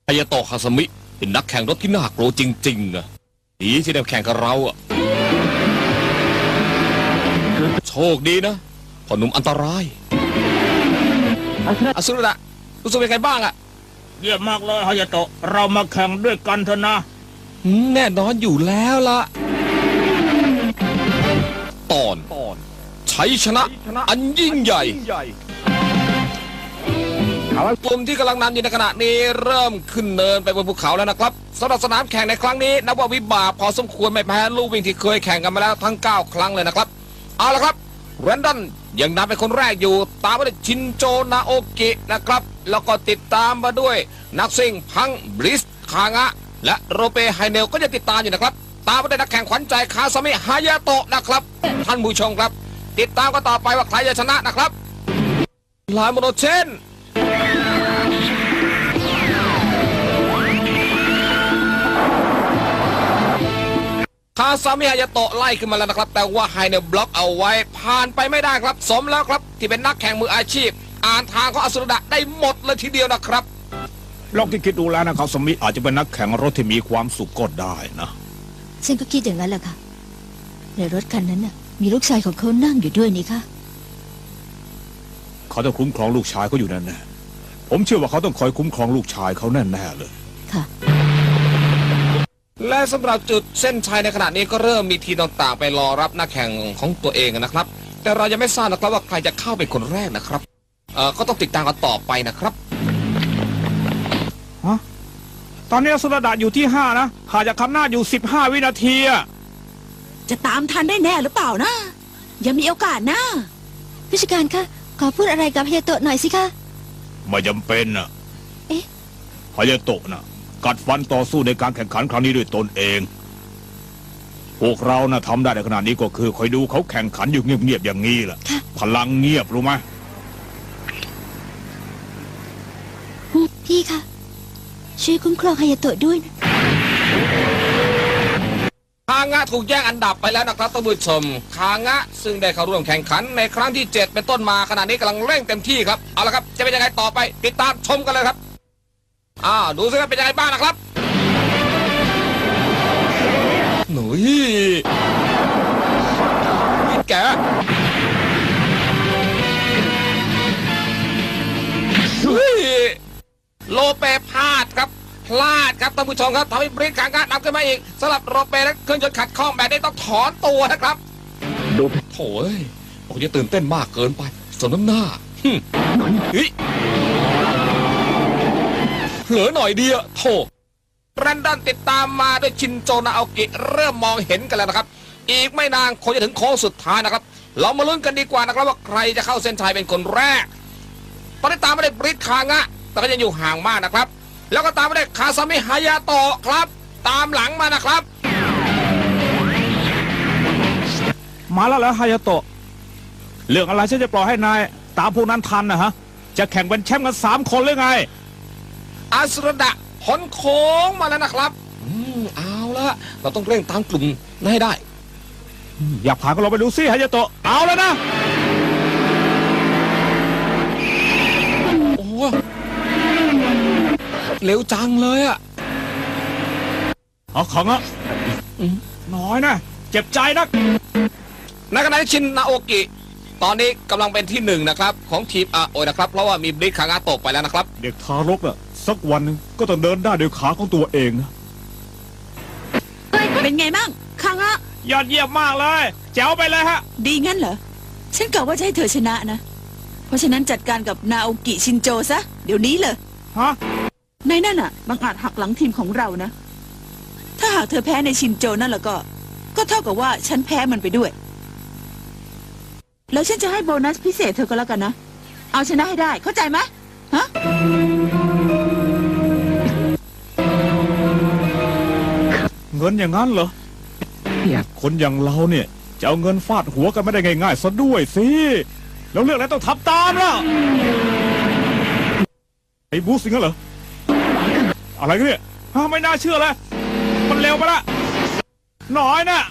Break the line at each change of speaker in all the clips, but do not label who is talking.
ายาโตะคาซามิเป็นนักแข่งรถที่น่ากลัวจริงๆอะดีที่ได้แข่งกับเราอะโชคดีนะพ่อหนุ่มอันตรายอสุรดะรู้สึกเป็นไงบ้างอะ
เยี่ยมมากเลยฮายาโตะเรามาแข่งด้วยกันเถอะนะ
แน่นอนอยู่แล้วล่ะตอนชัยชนะอันยิ่งใหญ่กลุ่มที่กำลังนำอยู่ในขณะนี้เริ่มขึ้นเนินไปบนภูเขาแล้วนะครับสำหรับสนามแข่งในครั้งนี้นับว่าวิบากพอสมควรไม่แพ้ลูกวิ่งที่เคยแข่งกันมาแล้วทั้ง9ครั้งเลยนะครับเอาละครับแรนดอนยังนำเป็นคนแรกอยู่ตามมาด้วยชินโจนาโอกินะครับแล้วก็ติดตามมาด้วยนักซิ่งพังบริสคางะและโรเปไฮเนลก็จะติดตามอยู่นะครับตามมาด้วยนักแข่งขวัญใจคาซามิฮายาโตะนะครับท่านผู้ชมครับติดตามกันต่อไปว่าใครจะชนะนะครับลายโมโนเชนคาซามิฮายาโตะไล่ขึ้นมาแล้วนะครับแต่ว่าไฮเนลบล็อกเอาไว้ผ่านไปไม่ได้ครับสมแล้วครับที่เป็นนักแข่งมืออาชีพอ่านทางของอสุรดะได้หมดเลยทีเดียวนะครับ
ลองคิดดูแล้วนะครับสมิอาจจะเป็นนักแข่งรถที่มีความสุขก็ได้นะ
ฉันก็คิดอย่างนั้นแหละค่ะในรถคันนั้นน่ะมีลูกชายของเขานั่งอยู่ด้วยนี่ค่ะ
เขาต้องคุ้มครองลูกชายเขาอยู่แน่ๆผมเชื่อว่าเขาต้องคอยคุ้มครองลูกชายเขาแน่ๆเลย
ค่ะ
และสำหรับจุดเส้นชัยในขณะนี้ก็เริ่มมีทีมต่างๆไปรอรับนักแข่งของตัวเองนะครับแต่เรายังไม่ทราบนะครับว่าใครจะเข้าเป็นคนแรกนะครับก็ต้องติดตามกันต่อไปนะครับ
ตอนนี้สุรดาอยู่ที่5นะห่างจากคำหน้าอยู่15 วินาที
จะตามทันได้แน่หรือเปล่านะยังมีโอกาสนะ
ผู้จัดการคะขอพูดอะไรกับฮายาโตะหน่อยสิคะ
ไม่จำเป็นนะ
เอ๊ะ
ฮายาโตะนะกัดฟันต่อสู้ในการแข่งขันครั้งนี้ด้วยตนเองพวกเรานะทำได้ในขนาดนี้ก็คือคอยดูเขาแข่งขันอยู่เงียบๆอย่างนี้แหละพลังเงียบรู้ไหม
พี่คะช่วยคุ้มครองฮายาโตะด้วยนะ
คางะถูกแย่งอันดับไปแล้วนะครับท่านผู้ชมคางะซึ่งได้เข้าร่วมแข่งขันในครั้งที่7เป็นต้นมาขณะนี้กำลังเร่งเต็มที่ครับเอาละครับจะเป็นยังไงต่อไปติดตามชมกันเลยครับดูสิครับเป็นยังไงบ้างนะครับหนุ่ยแกโลเปพลาดครับท่านผู้ชมครับทำให้บริษคางะนำขึ้นมาอีกสำหรับโรเปและเครื่องยนต์ขัดข้องแบบนี้ต้องถอนตัวนะครับดูโถ่ผมจะตื่นเต้นมากเกินไปสมน้ำหน้าเฮ้ยเผลอหน่อยเดียวโถ่แรนดอนติดตามมาด้วยชินโจนาโอกิเริ่มมองเห็นกันแล้วนะครับอีกไม่นานคงจะถึงโค้งสุดท้ายนะครับเรามาลุ้นกันดีกว่านะครับว่าใครจะเข้าเส้นชัยเป็นคนแรกตอนนี้ตามมาได้บริษคางะแต่ก็ยังอยู่ห่างมากนะครับแล้วก็ตามมาได้คาซามิฮายาโตะครับตามหลังมานะครับ
มาแล้วเหรอฮายาโตะเรื่องอะไรฉันจะปล่อยให้นายตามพวกนั้นทันนะฮะจะแข่งเป็นแชมป์กัน3 คนหรือไง
อาสุรดะพ้นโค้งมาแล้วนะครับเอาละเราต้องเร่งตามกลุ่มให้ได้
อยากผ่านก็ลองไปดูซิฮายาโตะเอาแล้วนะ
โอ้เร็วจังเลย
เอาของอ่ะน้อยนะเจ็บใจนัก
ในขณะที่ชินนาโอกิตอนนี้กำลังเป็นที่1นะครับของทีมโอยนะครับเพราะว่ามีบริษคางะตกไปแล้วนะครับ
เด็กทารกน่ะสักวันนึงก็ต้องเดินได้ด้วยขาของตัวเองนะ
เป็นไงบ้างคางะ
ยอดเยี่ยมมากเลยแจ๋วไปเลยฮะ
ดีงั้นเหรอฉันกะว่าจะให้เธอชนะนะเพราะฉะนั้นจัดการกับนาโอกิชินโจซะเดี๋ยวนี้เลย
ฮะ
ในนั่นน่ะบังอาจหักหลังทีมของเรานะถ้าหากเธอแพ้ในชินโจนั่นแล้วก็เท่ากับว่าฉันแพ้มันไปด้วยแล้วฉันจะให้โบนัสพิเศษเธอก็แล้วกันนะเอาชนะให้ได้เข้าใจไหมฮะ
เงินอย่างนั้นเหรอคนอย่างเราเนี่ยจะเอาเงินฟาดหัวกันไม่ได้ง่ายๆซะด้วยสิแล้วเรื่องอะไรต้องทำตามล่ะไอ้บูสิงเหรออะไรกันเนี่ยไม่น่าเชื่อเลยมันเร็วไปละน้อยนะ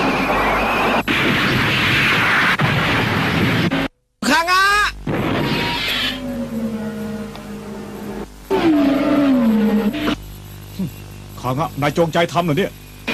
คางะ
คางะนายจงใจทำเหรอเนี่ย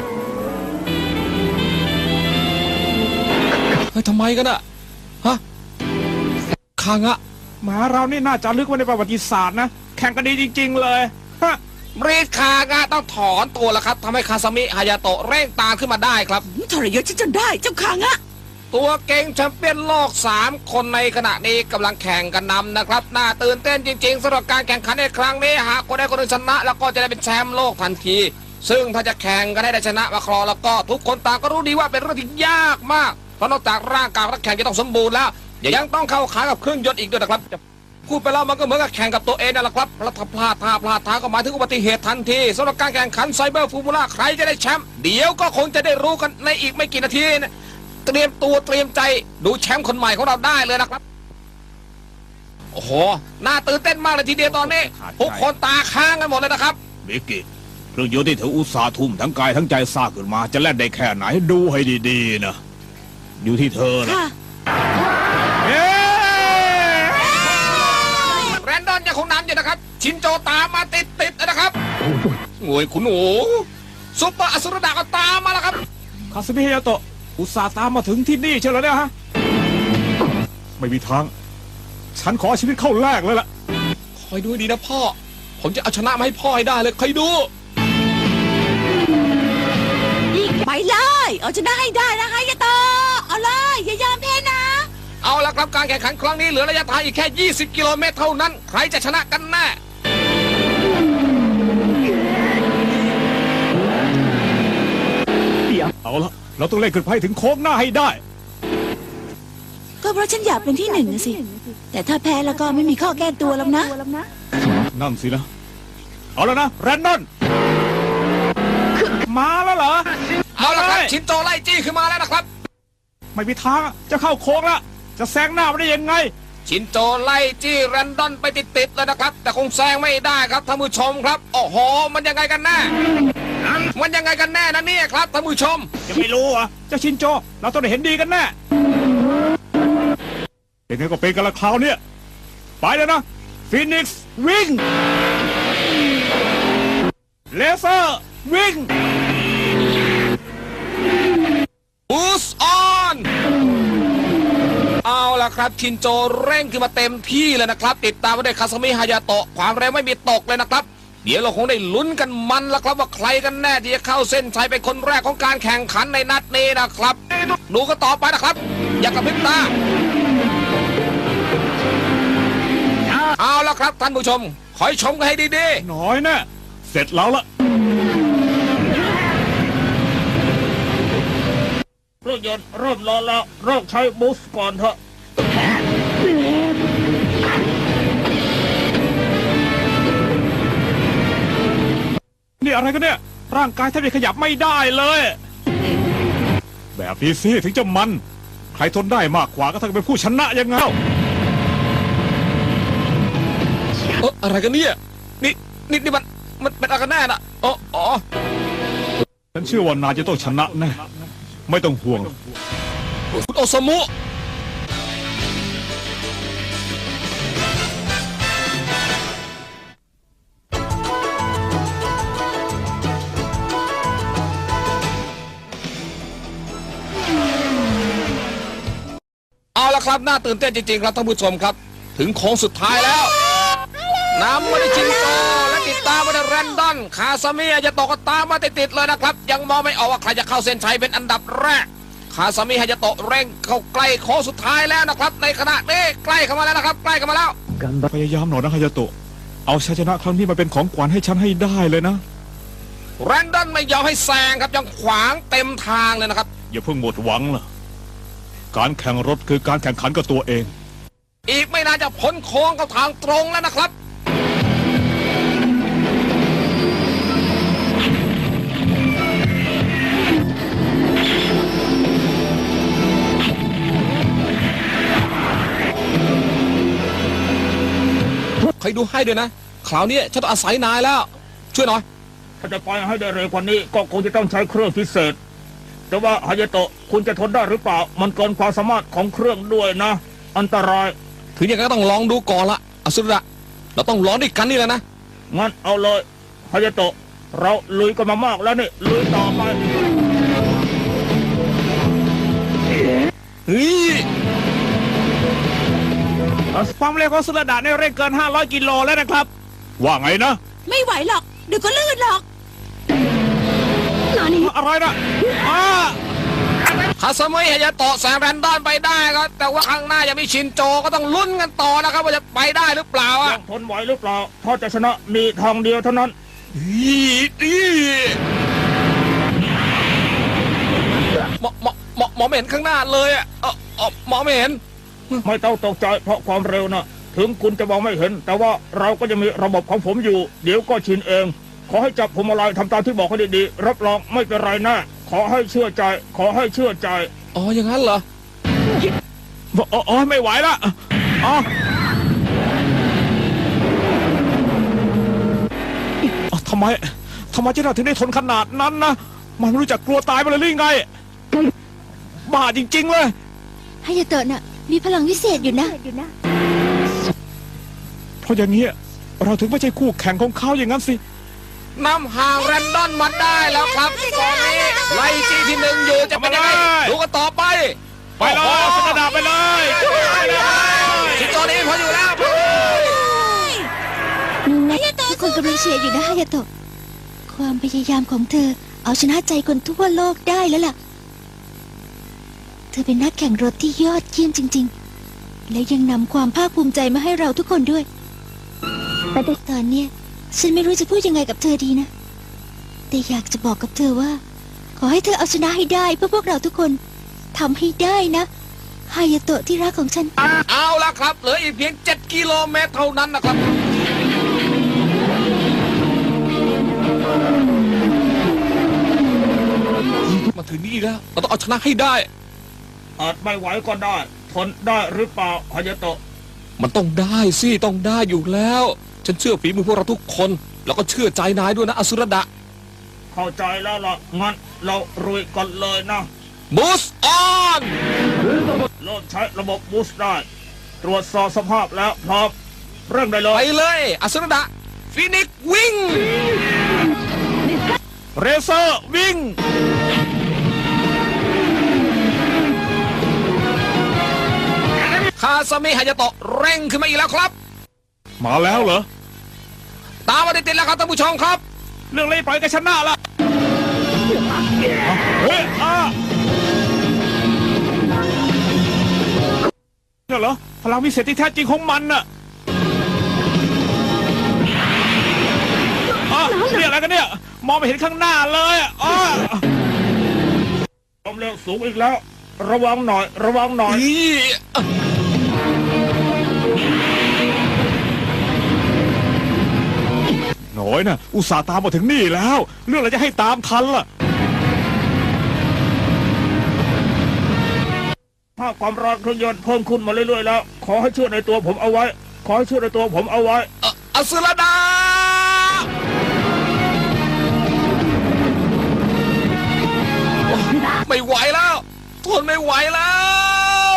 เฮ้ยทำไมกันอะฮะคางะ
หมาเรานี่น่าจะลึกไว้ในประวัติศาสตร์นะแข่งกันดีจริง ๆ เลยฮะ
รีดคางะต้องถอนตัวแล้วครับทำให้คาซามิฮายาโตะเร่งตามขึ้นมาได้ครับ
ทรยศฉันจนได้เจ้าคางะ
ตัวเก่งแชมเปี้ยนโลก 3 คนในขณะนี้กำลังแข่งกันนำนะครับน่าตื่นเต้นจริงๆสำหรับการแข่งขันในครั้งนี้หากคนใดคนหนึ่งชนะ แล้วก็จะได้เป็นแชมป์โลกทันที ซึ่งถ้าจะแข่งกันให้ได้ชนะมาครองแล้วก็ทุกคนต่างก็รู้ดีว่าเป็นเรื่องที่ยากมากเพราะนอกจากร่างกายนักแข่งจะต้องสมบูรณ์แล้วยังต้องเข้าขากับเครื่องยนต์อีกด้วยนะครับพูดไปแล้วมันก็เหมือนกับแข่งกับตัวเองนั่นแหละครับแล้วถ้าพลาดท่าก็หมายถึงอุบัติเหตุทันทีสำหรับการแข่งขันไซเบอร์ฟูมูล่าใครจะได้แชมป์เดี๋ยวก็คงจะได้รู้กันในอีกไม่กี่นาทีนะเตรียมตัวเตรียมใจดูแชมป์คนใหม่ของเราได้เลยนะครับโอ้โหน่าตื่นเต้นมากเลยทีเดียวตอนนี้ทุกคนตาค้างกันหมดเลยนะครับ
บิกกี้เครื่องยนต์ที่เธออุตส่าห์ทุ่มทั้งกายทั้งใจสร้างขึ้นมาจะแล่นได้แค่ไหนดูให้ดีๆนะอยู่ที่เธอนะ
ค่ะ
เอ๊ะ
แรนดอนยังคงนำอยู่นะครับชินโจตามมาติดนะครับโอ้ยคุณหนูซุปเปอร์อสุรดาก็ตามมาแล้วครับ
คาสมิฮายาโตะอุตส่าห์ตามมาถึงที่นี่เชียวเหรอเนี่ยฮะไม่มีทางฉันขอชีวิตเข้าแรกเลยล่ะ
คอยดูให้ดีนะพ่อผมจะเอาชนะมาให้พ่อให้ได้เลยคอยดู
ไปเลยเอาชนะให้ได้นะฮายาโตะเอาเลยอย่ายอมแพ้นะ
เอาละครับการแข่งขันครั้งนี้เหลือระยะทางอีกแค่ 20 กิโลเมตรเท่านั้นใครจะชนะกันแน่
เอาละเราต้องเล่นขึ้นไปถึงโค้งหน้าให้ได้
ก็เพราะฉันอยากเป็นที่หนึ่งนะสิ แต่ถ้าแพ้แล้วก็ไม่มีข้อแก้ตัวแล้วนะ
นั่นสินะ เอาแล้วนะแรนดอนมาแล้วเหรอ
เอาละครับ
เลย
ชินโจไล่จี้ขึ้นมาแล้วนะครับ
ไม่มีทางอะจะเข้าโค้งแล้วจะแซงหน้าไม่ได้ยังไง
ชินโจไล่จี้แรนดอนไปติดๆเลยนะครับ แต่คงแซงไม่ได้ครับท่านผู้ชมครับโอ้โหมันยังไงกันแน่มันยังไงกันแน่นะเนี่ยครับท่านผู้ชม
จะไม่รู้เหรอ่ะเจ้าชินโจเราต้องได้เห็นดีกันแน่เป็นไงก็เป็นกันละคราวเนี้ยไปแล้วนะฟีนิกซ์วิ่งเลเซอร์วิ่ง
บูสออนเอาล่ะครับชินโจเร่งขึ้นมาเต็มที่เลยนะครับติดตามมาด้วยคาซามิฮายาโตะความเร็วไม่มีตกเลยนะครับเดี๋ยวเราคงได้ลุ้นกันมันละครับว่าใครกันแน่ที่จะเข้าเส้นชัยเป็นคนแรกของการแข่งขันในนัดนี้นะครับดูกันต่อไปนะครับอย่ากระพริบตาเอาล่ะครับท่านผู้ชมคอยชมกันให้ดีๆ
น้อยแน่เสร็จแล้วละ
เครื่องยนต์เริ่มร้อนแล้วเริ่มใช้บูสต์ก่อนเถอะ
นี่อะไรกันเนี่ยร่างกายแทบจะขยับไม่ได้เลย แบบนี้สิถึงจะมันใครทนได้มากกว่าก็ต้องเป็นผู้ชนะยังไง
อะไรกันเนี่ยนี่มันเป็นอะไรกันแน่น่ะอ๋อ
ฉันเชื่อว่านายจะต้องชนะแน่ไม่ต้องห่วง
คุณโอซามุเอาละครับน่าตื่นเต้นจริงๆครับท่านผู้ชมครับ ถึงโค้งสุดท้ายแล้วนำมาได้ชินโจและติดตามมาได้แรนดอนคาซามิฮายาโตะก็ตามมาติดๆเลยนะครับยังมองไม่ออกว่าใครจะเข้าเส้นชัยเป็นอันดับแรกคาซามิฮายาโตะเร่งเข้าใกล้โค้งสุดท้ายแล้วนะครับในขณะนี้ใกล้เข้ามาแล้วนะครับใกล้เข้ามาแล้ว
พยายามหน่อยนะฮายาโตะเอาชัยชนะครั้งนี้มาเป็นของขวัญให้ฉันให้ได้เลยนะ
แรนดอนไม่ยอมให้แซงครับยังขวางเต็มทางเลยนะครับ
อย่าเพิ่งหมดหวังล่ะการแข่งรถคือการแข่งขันกับตัวเอง
อีกไม่นานจะพ้นโค้งเข้าทางตรงแล้วนะครับใครดูให้ด้วยนะคราวนี้ฉันต้องอาศัยนายแล้ว ช่วยหน่อย
ถ้าจะไปให้ได้เร็วกว่านี้ก็คงจะต้องใช้เครื่องพิเศษ แต่ว่าฮายาโตะคุณจะทนได้หรือเปล่ามันเกินความสามารถของเครื่องด้วยนะ อันตราย
ถึงอย่างนั้นก็ต้องลองดูก่อนละอสุระเราต้องลองด้วยกันนี่แหละนะ
งั้นเอาเลยฮายาโตะเราลุยกันมามากแล้วนี่ลุยต่อไป
เฮ้ย
ความเร็วของสุรดาเนี่ยเร่งเกิน500 กิโลแล้วนะครับ ว่าไงนะ
ไม่ไหวหรอกเดี๋ยวก็ลื่นหรอก
อะไรนะอ้า
คาสมิฮายาโตะแซงแรนดอนไปได้ครับแต่ว่าข้างหน้ายังมีชินโจก็ต้องลุ้นกันต่อนะครับว่าจะไปได้หรือเปล่า
ยั
อ่ะ
งทนไหวหรือเปล่าถ้าจะชนะมีทางเดียวเท่านั้น
หมอไม่เห็นข้างหน้าเลยอ่ะหมอไม่เห็น
ไม่ต้องตกใจเพราะความเร็วนะถึงคุณจะมองไม่เห็น แต่ว่าเราก็จะมีระบบของผมอยู่ เดี๋ยวก็ชินเอง ขอให้จับผมอะไรทำตามที่บอกให้ดีๆรับรองไม่เป็นไรนะขอให้เชื่อใจ ขอให้เชื่อใจ
อ๋ออย่างนั้นเหรอ
อ๋อไม่ไหวละอ๋อทำไมเจ้าหน้าถึงได้ทนขนาดนั้นนะมันไม่รู้จักกลัวตายไปเลยหรือไงบ้าจริงๆเลย
ฮายาโตะน่ะมีพลังวิเศษอยู่นะ
เพราะอย่างนี้เราถึงไม่ใช่คู่แข่งของเขาอย่างนั้นสิ
นำห่างแรนดอนมาได้แล้วครับตอนนี้ไล่จี้ที่หนึ่งอยู่จะเป็นยังไงดูกันต่อไป
ไปเลยสุรดาไปเลย
ชินโจนี้พออยู่แล้ว
ทุกคนกำลังเชียร์อยู่นะฮายาโตะความพยายามของเธอเอาชนะใจคนทั่วโลกได้แล้วล่ะ เธอเป็นนักแข่งรถที่ยอดเยี่ยมจริงๆ และยังนำความภาคภูมิใจมาให้เราทุกคนด้วยแต่ตอนเนี้ยฉันไม่รู้จะพูดยังไงกับเธอดีนะ แต่อยากจะบอกกับเธอว่า ขอให้เธอเอาชนะให้ได้เพื่อพวกเราทุกคนทำให้ได้นะฮายาโตะที่รักของฉัน
เอาละครับเหลืออีกเพียง7 กิโลเมตรเท่านั้นนะครับมาถึงนี่แล้วเราต้องเอาชนะให้ได้
อาจไม่ไหวก็ได้ทนได้หรือเปล่าฮายาโตะ
มันต้องได้สิต้องได้อยู่แล้ว ฉันเชื่อฝีมือพวกเราทุกคน แล้วก็เชื่อใจนายด้วยนะอสุรดะ
เข้าใจแล้วล่ะงั้นเรารุยกันเลยนะ
บูสออน
เริ่มใช้ระบบบูสต์ได้ ตรวจสอบสภาพแล้วพร้อมเริ่มได้เล
ไป
ย
เลยอสุรดะฟินิกซ์วิ่ง
เรเซอร์วิ่ง
คาซามิฮายาโตะเร่งขึ้นมาอีกแล้วครับ
มาแล้วเหรอ
ตามมาติดๆแล้วครับท่านผู้ชมครับ
เรื่องนี้ปล่อยกันชนะละเฮ้ยเนี่ยเหรอพลังวิเศษที่แท้จริงของมันน่ะเรียกอะไรกันเนี่ยมองไม่เห็นข้างหน้าเลย
ความเร็วสูงอีกแล้ว ระวังหน่อย ระวังหน่อย
หน่อยนะอุตส่าห์ตามมาถึงนี่แล้วเรื่องอะไรจะให้ตามทันล่ะ
ถ้าความร้อนเครื่องยนต์เพิ่มขึ้นมาเรื่อยๆแล้ว ขอให้เชื่อในตัวผมเอาไว้ ขอให้เชื่อในตัวผมเอาไว้
อสุรดาไม่ไหวแล้วทนไม่ไหวแล้ว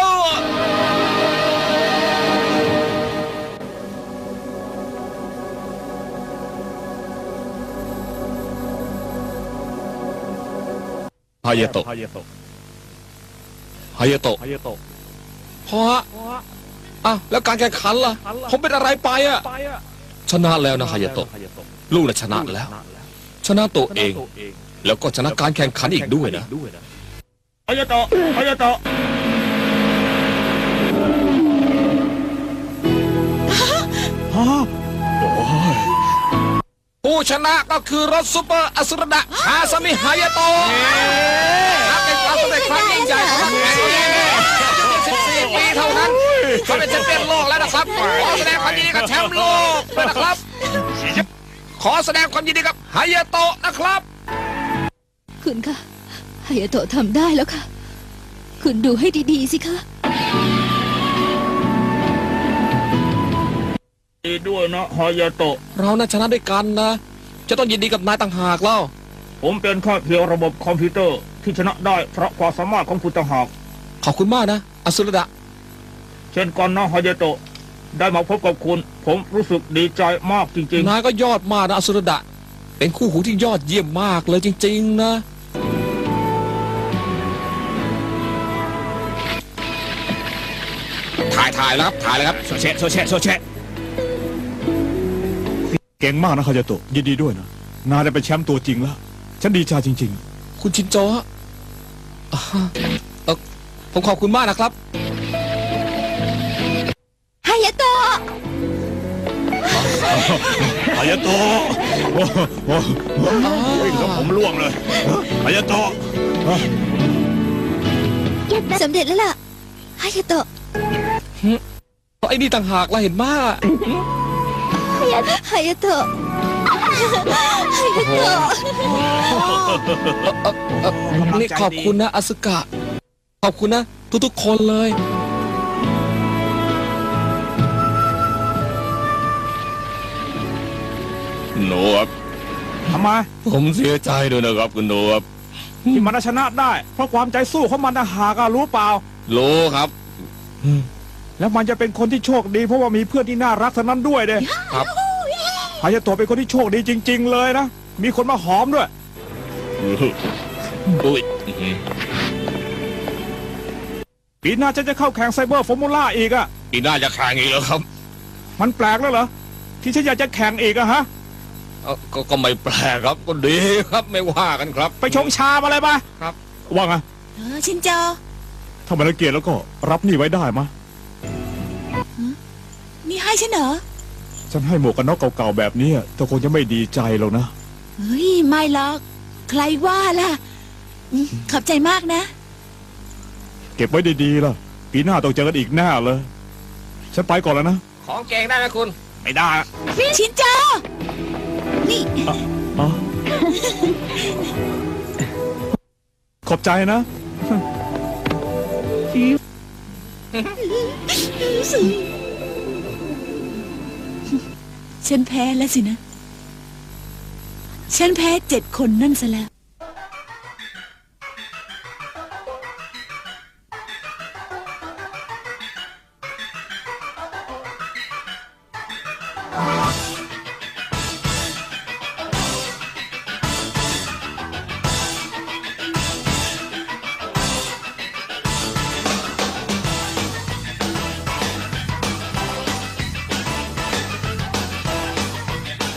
ฮายาโตะพอฮะแล้วการแข่งขันล่ะ ผมเป็นอะไรไปอ่ะ ชนะแล้วนะฮายาโตะลูกน่ะชนะแล้ว ชนะตัวเอง แล้วก็ชนะการแข่งขันอีกด้วยนะ
ฮายาโตะฮายาโตะ
ผู้ชนะก็คือรถซูเปอร์อสุรดะคาซามิฮายาโตะนับเป็นความสำเร็จครั้งยิ่งใหญ่ของนักแข่งคนนี้14 ปีเท่านั้นเขาเป็นแชมเปี้ยนโลกแล้วนะครับขอแสดงความยินดีกับแชมป์โลกด้วยนะครับ ขอแสดงความยินดีกับฮายาโตะนะครับ
คุณคะฮายาโตะทำได้แล้วค่ะ คุณดูให้ดีๆสิคะ
ดีด้วยนะฮายาโตะ
เราน่าชนะด้วยกันนะ จะต้องยินดีกับนายต่างหากเล่า
ผมเป็นแค่เพียงระบบคอมพิวเตอร์ที่ชนะได้เพราะความสามารถของคุณต่างหาก
ขอบคุณมากนะอสุรดะ
เช่นกันนะฮายาโตะได้มาพบกับคุณ ผมรู้สึกดีใจมากจริง
นายก็ยอดมากนะอสุรดะเป็นคู่หูที่ยอดเยี่ยมมากเลยจริงๆนะถ่ายแล้วครับถ่ายเลยครับ
โซเชะโซเชะโซเชะเก่งมากนะคาญาโตะยินดีด้วยนะนายได้เป็นแชมป์ตัวจริงแล้ว ฉันดีใจจริง
คุณชินโจฮะผมขอบคุณมากนะครับ
ฮายาโตะ
ๆคาญาโตะโอ้โหวิ่งกับผมล่วงเลยคาญาโตะ
สำเร็จแล้วล่ะฮายาโตะ
ไอ้นี่ต่างหากเราเห็นมาก
ฮายาโตะฮายาโตะ
นี่ขอบคุณนะอาสึกะ ขอบคุณนะ ทุกๆคนเลย
หนูครับทำไม
ผมเสียใจด้วยนะครับคุณหนูครับ
ที่มันชนะได้ เพราะความใจสู้ของมันนะหากรู้เปล่า
รู้ครับ
แล้วมันจะเป็นคนที่โชคดี เพราะว่ามีเพื่อนที่น่ารักเท่านั้นด้วยเด้
ครับ
ฮายาโตะเป็นคนที่โชคดีจริง ๆ เลยนะ มีคนมาหอมด้วย
อุ้ย
ปีหน้าฉันจะเข้าแข่งไซเบอร์ฟอร์มูล่าอีกอะ
ปีหน้าจะแข่งอีกแล้วครับ
มันแปลกแล้วเหรอ ที่ฉันอยากจะแข่งอีกอะฮะ
ก็ไม่แปลกครับ ก็ดีครับไม่ว่ากันครับ
ไปชงชามาเลยปะ
ครับ
ว่าไง
ชินโจ
ถ้ามันละเกียจแล้วก็รับนี่ไว้ได้มะ
นี่ให้ฉันเหรอ
ฉันให้หมวกกันน็อกเก่าๆแบบนี้เธอคงจะไม่ดีใจหรอกนะ
เฮ้ย ไม่หรอก ใครว่าล่ะขอบใจมากนะ
เก็บไว้ดีๆล่ะ ปีหน้าต้องเจอกันอีกแน่เลย ฉันไปก่อนแล้วนะ
ของเก่งได้ไหมคุณ
ไม่ได้
ชินโจ นี่
อ๋อ ขอบใจนะ
ฉันแพ้แล้วสินะ ฉันแพ้7 คนนั่นซะแล้ว